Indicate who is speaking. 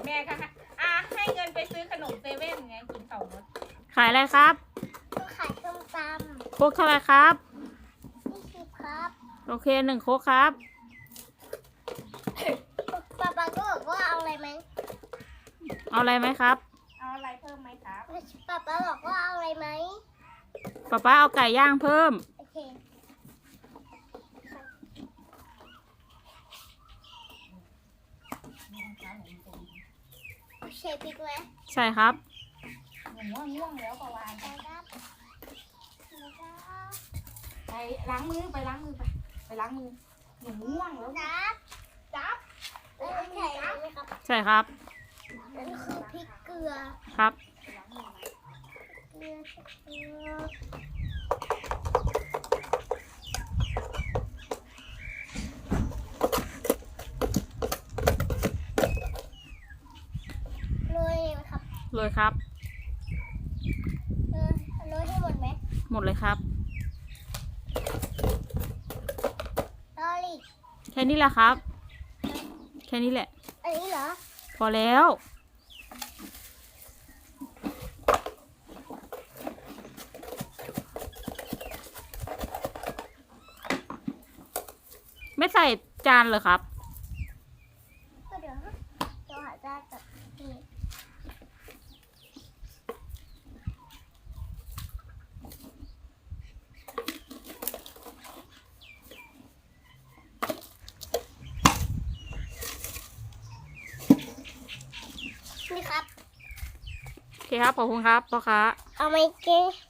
Speaker 1: แม่ค่ะให้เงินไปซื้อขนมเซเว่นไงกินเข่ารถ
Speaker 2: ขายอะไรครับ
Speaker 3: ก็ขายส้มต
Speaker 2: โค้กเท่าไหร่ครับ
Speaker 3: ำ20ครับ
Speaker 2: โอเค1โค้กครับ
Speaker 3: ป๊าป๊าก็บอกว่าเอาอะไรไหม
Speaker 2: เอาอะไรไหมครับ
Speaker 1: เอาอะไรเพิ่มไหมครับ
Speaker 3: ป๊าป๊าบอกว่าเอาอะไรไหม
Speaker 2: ป๊าเอาไก่ย่างเพิ่ม
Speaker 3: โอเคเชฟบิ๊กไหม
Speaker 2: ใช่ครับ
Speaker 1: หนูว่าง่วงแล้วประวาน
Speaker 3: ไปครับแล้วก็
Speaker 1: ไปล้างมือไปล้างมือไปล้างมือหนูง่วงแล้ว
Speaker 3: จับ
Speaker 1: จับ
Speaker 3: แล้วก็ใส่อะไรไหมครับ
Speaker 2: ใช่ครับ
Speaker 3: นั่นคือพริกเกลือ
Speaker 2: ครับ
Speaker 3: เกลือโรยไหมครับ
Speaker 2: เลยครับ
Speaker 3: โรยให้หมดไหม
Speaker 2: หมดเลยครับ
Speaker 3: ลอรี่
Speaker 2: แค่นี้แหละครับ แค่นี้แหละ
Speaker 3: อันนี้เหรอ
Speaker 2: พอแล้ว ไม่ใส่จานเลยครับ
Speaker 3: ก็เดี๋ยวหาจานกับนี่นี่ครับ
Speaker 2: โอเคครับ ขอบคุณครับพ่อค้า
Speaker 3: เอาไหมเจ๊